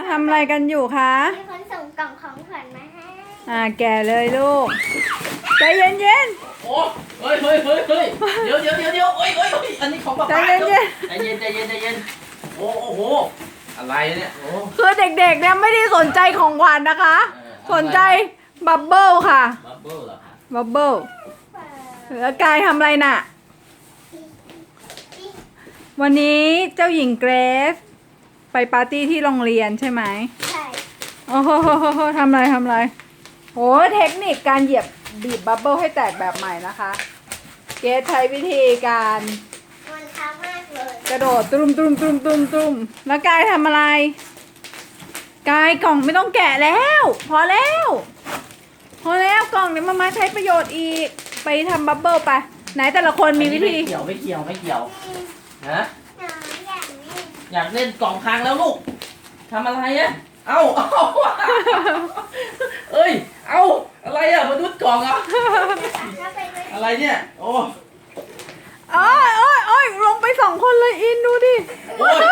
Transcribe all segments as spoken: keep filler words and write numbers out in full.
ทำอะไรกันอยู่คะมีคนส่งกล่องของขวัญมาให้อ่าแก่เลยลูกใจเย็นเย็นโอ้เฮ้ยเฮ้ยเฮ้ยเฮ้ยเดี๋ยวเดี๋ยวเดี๋ยวเดี๋ยวเฮ้ยเฮ้ยเฮ้ยอันนี้ของป๊าใจป๊าเย็นเย็นใจเย็นใจเย็นใจเย็นโอ้โหอะไรเนี่ยโอ้คือเด็กๆเนี่ยไม่ได้สนใจของขวัญนะคะ สนใจบับเบิ้ลค่ะบับเบิ้ลเหรอคะบับเบิ้ลแล้วกายทำอะไรน่ะ วันนี้เจ้าหญิงเกรซไปปาร์ตี้ที่โรงเรียนใช่ไหมใช่โอ้โหทำอะไรทำอะไรโหเทคนิคการเหยียบบีบบับเบิ้ลให้แตกแบบใหม่นะคะ เกรซใช้วิธีการมันช้ามากเลยกระโดดตุ้มตุ้มตุ้มตุ้มตุ้มแล้วกายทำอะไร กายกล่องไม่ต้องแกะแล้ว พอแล้ว พอแล้วกล่องเดี๋ยวมามาใช้ประโยชน์อีก ไปทำบับเบิ้ลไป ไหนแต่ละคนมีวิธีไม่เกี่ยวไม่เกี่ยวไม่เกี่ยวฮะหนูอยากนี่อยากเล่นกล่องพังแล้วลูกทำอะไรอะเอ้าเอ้าเอ้ยเอ้าอะไรอะมนุษย์กล่องอะถ้าไปด้วยอะไรเนี่ยโอ้โอ้ยโอ้ยโอ้ยลงไปสองคนเลยอินดูดิโอ้ย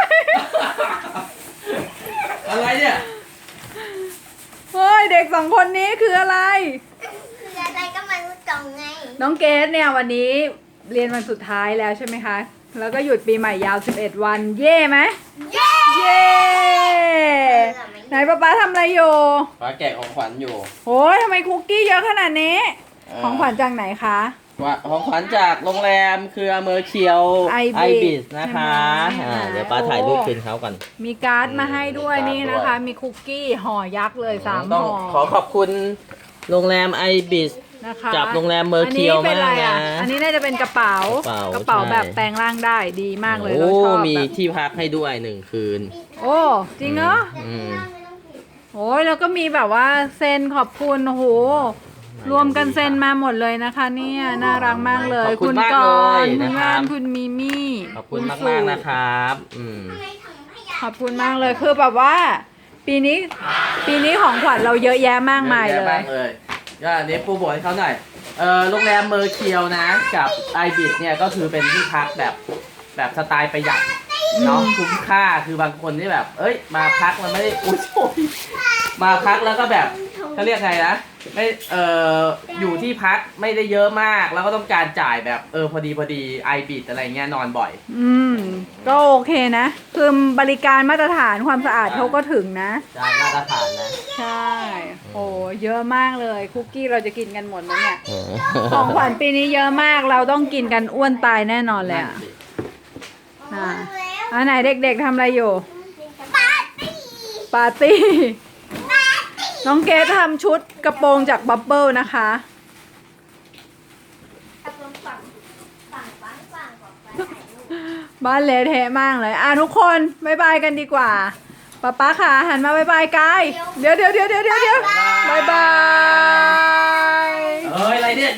อะไรเนี่ยเฮ้ยเด็กสองคนนี้คืออะไรคืออะไรก็มารู้กล่องไงน้องเกดเนี่ยวันนี้เรียนวันสุดท้ายแล้วใช่ไหมคะ แล้วก็หยุดปีใหม่ยาวสิบเอ็ดวัน เย่ไหมเย้เย่ไหนป๊าป๊าทำอะไรอยู่ป้าแกะของขวัญอยู่โอ้ยทำไมคุกกี้เยอะขนาดนี้ ของขวัญจากไหนคะว่าของขวัญจากโรงแรมเครือเมอร์เคียว Ibis บิสนะคะใช่ไหมอ่าเดี๋ยวป้าถ่ายรูปคืนเขาก่อนมีการ์ดมาให้ด้วยมีการ์ดนี่นะคะด้วยมีคุกกี้ห่อยักษ์เลยสามต้องห่อขอขอบคุณโรงแรมไอบิสนะคะจับโรงแรมเมอร์เคียวอันนี้เป็นอะไรมากนะอ่ะอันนี้น่าจะเป็นกระเป๋ากระเป๋าแบบใช่แปลงร่างได้ดีมากเลยโอ้เราชอบมีแบบที่พักให้ด้วยหนึ่งคืนโอ้จริงเหรออืมโอ้ยแล้วก็มีแบบว่าเซ็นขอบคุณโอ้โหรวมกันเซ็นมาหมดเลยนะคะเนี่ยน่ารักมากเลยขอบคุณมากกเลยรณ์คุณนะครัว่านบคุณมิมี่ขอบคุณมากสุมากๆนะครับอืมทำไมถังขยะขอบคุณมากเลยคือแบบว่า ปีนี้ปีนี้ของขวัญเราเยอะแยะมากมายเลอะแะยมากเลยก็อันนี้ปูบอกให้เขาหน่อยเออโรงแรมเมอร์เคียวนะกับไอบิสเนี่ยก็คือเป็นที่พักแบบแบบสไตล์ประหยัดเนาะคุ้มค่าคือบางคนที่แบบ เอ้ยมาพักมันไม่ได้อุ้ยโอ้ยมาพักแล้วก็แบบเขาเรียกไงนะไม่เอออยู่ที่พักไม่ได้เยอะมากแล้วก็ต้องการจ่ายแบบเออพอดีพอดีไอบิสอะไรเงี้ยนอนบ่อยอืมก็โอเคนะ คือบริการมาตรฐานความสะอาดเขาก็ถึงนะจ่ายมาตรฐานนะใช่โอ้เยอะมากเลยคุกกี้เราจะกินกันหมดไหมเนี่ย ของขวัญปีนี้เยอะมากเราต้องกินกันอ้วนตายแน่นอนเลยอ่ะอ๋ออ่ารู้แล้วอันไหนเด็กๆทำอะไรอยู่ปาร์ตี้ปาร์ตี้ น้องเกดทำชุดกระโปรงจากบับเบิลนะคะตกลงฝั่งฝั่งฝั่งฝั่งฝั่งฝั่งบ้านเละเทะมากเลย อ่ะทุกคนบายบายกันดีกว่าป๊าป๊าค่ะหันมาบายบายกายเดี๋ยวเดี๋ยวเดี๋ยวเดี๋ยวเดี๋ยวบายบายเอ้ยอะไรเนี่ย